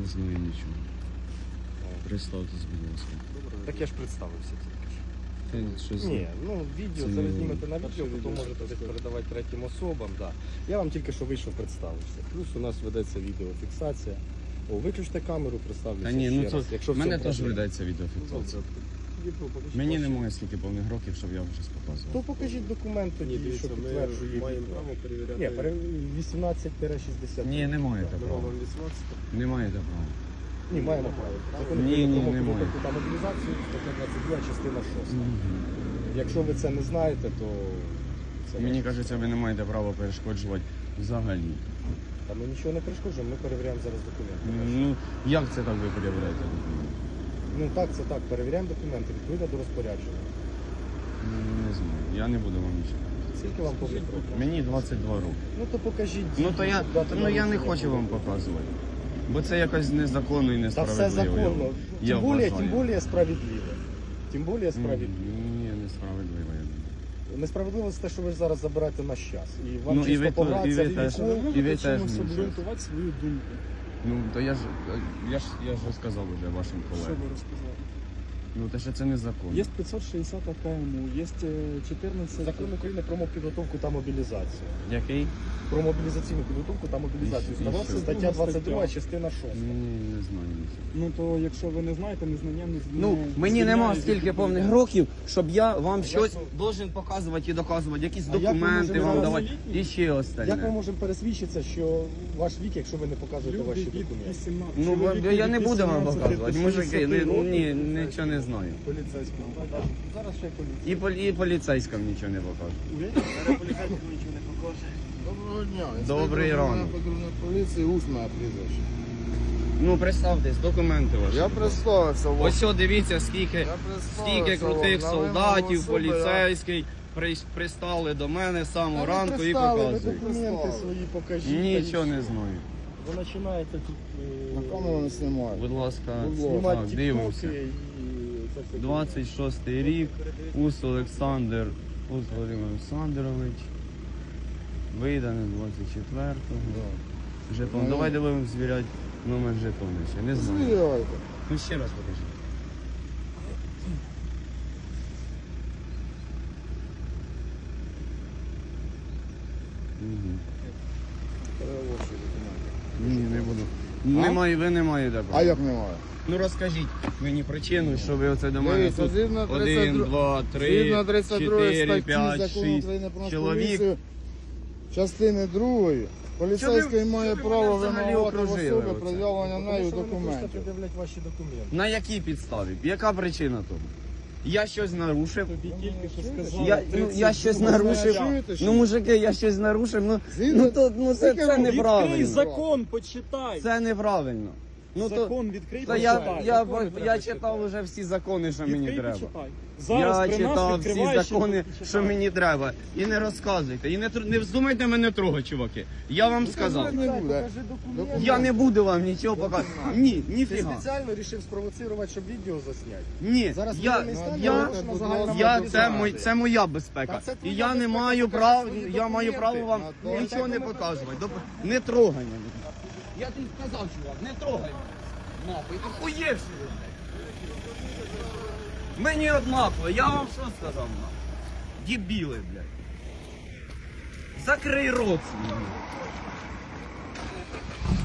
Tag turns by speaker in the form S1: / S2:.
S1: знаю нічого. Представтесь, будь ласка.
S2: Так я ж представився тільки ж.
S1: Ти щось
S2: Ні, ну відео
S1: Це
S2: зараз
S1: не-
S2: знімете на відео, потім можете десь передавати третім особам. Да. Я вам тільки що вийшов, представився. Плюс у нас ведеться відеофіксація. О, виключте камеру, представлюся
S1: Та ні,
S2: ще
S1: ну
S2: раз.
S1: це
S2: Якщо в
S1: мене
S2: цьому
S1: теж
S2: проблема.
S1: ведеться відеофіксація. Мені немає скільки повних років, щоб я вже показував.
S2: То покажіть документ тоді, що підтверджує
S3: маємо
S2: відео.
S3: право перевіряти.
S2: Ні, 18-60.
S1: Ні, не маєте
S3: Ми
S1: права.
S3: вам 18.
S1: Не маєте права.
S2: Ні, маємо право. Закон
S1: Ні,
S2: України
S1: ні,
S2: про
S1: немає.
S2: підготовку та мобілізацію, стаття 22, частина 6. Якщо ви це не знаєте, то це
S1: Мені
S2: ваше.
S1: кажеться, ви не маєте права перешкоджувати взагалі.
S2: Та ми нічого не перешкоджуємо, ми перевіряємо зараз документи.
S1: Ну, як це так ви перевіряєте?
S2: Ну так, це так, перевіряємо документи відповідно до розпорядження.
S1: Ну, не знаю, я не буду вам нічого.
S2: Скільки вам повних років?
S1: Мені 22 роки.
S2: Ну то покажіть.
S1: Ну то я,
S2: дату
S1: ну, я не
S2: народження.
S1: хочу вам показувати. Бо це якось незаконно і
S2: Та
S1: несправедливо.
S2: все законно.
S1: Я
S2: Тим більше
S1: вважаю.
S2: справедливо. Тим більше справедливо.
S1: Ні, несправедливо, я думаю.
S2: Несправедливо це те, що ви зараз забираєте наш час. І вам
S1: Ну, і
S2: чисто
S1: ви
S2: погратися
S1: і ви теж.
S2: віком.
S1: І ви теж
S3: Хочемо
S1: мені
S3: обґрунтувати свою думку.
S1: Ну, то я ж розказав вже вашим
S3: Що
S1: колегам.
S3: ви розказали?
S1: Ну, те, що це незаконно.
S3: Є 560 КМУ, є 14...
S2: Закон України про підготовку та мобілізацію.
S1: Який?
S2: Про мобілізаційну підготовку та мобілізацію.
S1: І що?
S2: Стаття 22, частина 6.
S1: Ні, не знаю нічого.
S3: Ну то якщо ви не знаєте, незнання не
S1: Ну, мені нема стільки повних років, щоб я вам щось
S2: ви-
S1: должен показувати і доказувати, якісь
S2: А як ми
S1: документи
S2: можемо
S1: вам
S2: зараз-
S1: давати і ще
S2: Як ми
S1: остальне.
S2: можемо пересвідчитися, що ваш вік, якщо ви не показуєте ваші
S3: Люди від
S2: документи?
S3: 18.
S1: Ну,
S3: чоловіки
S1: я
S3: від
S1: не буду вам
S3: 18
S1: показувати,
S3: до
S1: мужики,
S3: 60 років.
S1: ні, нічого не знаю.
S3: Поліцейському.
S2: Зараз ще поліція.
S1: І поліцейським нічого не покажу.
S4: Доброго дня.
S1: Добрий ранок.
S4: Патрульної поліції, усне прізвище.
S1: Ну, представтесь, документи ваші.
S4: Я представився вам.
S1: Ось, дивіться, скільки
S4: Я представився
S1: стільки крутих
S4: вам. На
S1: солдатів,
S4: вимогу особи я-
S1: поліцейський пристали до мене з самого
S2: Та ви
S1: ранку і
S2: пристали, ви
S1: показують.
S2: документи
S4: Пристали.
S2: свої покажіть.
S1: Нічого
S2: та й
S1: не
S2: все.
S1: знаю.
S2: Ви починаєте тут
S4: На камеру не знімаю.
S1: Будь ласка,
S2: знімати
S1: так, дивимося.
S2: тіктоки і це все.
S1: 26-й рік, Ус Олександр, Ус Володимир Олександрович. Видане 24-го. Жетон.
S4: Ну,
S1: Давайте будемо звіряти номер жетону ще. Не знаю.
S4: Звіряйте.
S1: Ну ще раз покажи. Мгм.
S4: Перевозчі документи.
S1: Ні, не буду. Немає, ви не маєте
S4: А
S1: права.
S4: як немає?
S1: Ну розкажіть мені причину, що ви оце до мене
S4: Дивіться,
S1: тут
S4: згідно
S1: 1, 2, 3,
S4: Згідно 32
S1: 4,
S4: статті
S1: 5,
S4: Закону
S1: 6
S4: України про
S1: чоловік.
S4: поліцію, частини 2, поліцейський має
S1: що ви
S4: право
S1: мене взагалі
S4: вимагати в
S1: окружили
S4: особи
S1: оце?
S4: пред'явлення
S2: Тому
S4: нею
S2: що ви не хочете
S4: документів.
S2: пред'являти ваші документи.
S1: На якій підставі? Яка причина того? Я щось нарушив.
S3: Тобі тільки що сказали.
S1: Я щось
S3: 32
S1: нарушив.
S4: Чуєте, що?
S1: Ну, мужики, я щось нарушив.
S4: Згідно-
S1: Це
S4: Відкрий
S1: неправильно.
S3: закон, почитай.
S1: Це неправильно. Ну то
S3: Закон відкрий,
S1: та я,
S3: почитай.
S1: я,
S3: Закони
S1: я,
S3: треба
S1: читав
S3: читати.
S1: вже всі закони, що мені
S3: Відкрий,
S1: треба.
S3: почитай.
S1: Я
S3: Зараз при нас
S1: читав всі
S3: відкриваєш і
S1: закони,
S3: почитай.
S1: що мені треба. І не розказуйте. І не вздумайте мене трогати, чуваки. Я вам сказав.
S4: Не буде.
S2: Покажи документи.
S1: Я не буду вам нічого показувати. Ні,
S2: Ти
S1: ніфіга.
S2: спеціально вирішив спровоцирувати, щоб відео засняти.
S1: Ні,
S2: Зараз
S1: я,
S2: воєнний стан,
S1: я,
S2: нарушена загальна
S1: це моя безпека.
S2: Та це
S1: І
S2: твоя
S1: я не
S2: безпека,
S1: маю
S2: покажи
S1: права,
S2: свої
S1: я маю
S2: документи.
S1: право вам
S4: На то.
S1: нічого не показувати. Не трогай мене. Я тобі сказав, чувак, не трогай мене. Нахуй, охуєвши. Мені однаково, я вам що сказав, нахуй? Дебіли, блядь. Закрий рот свій.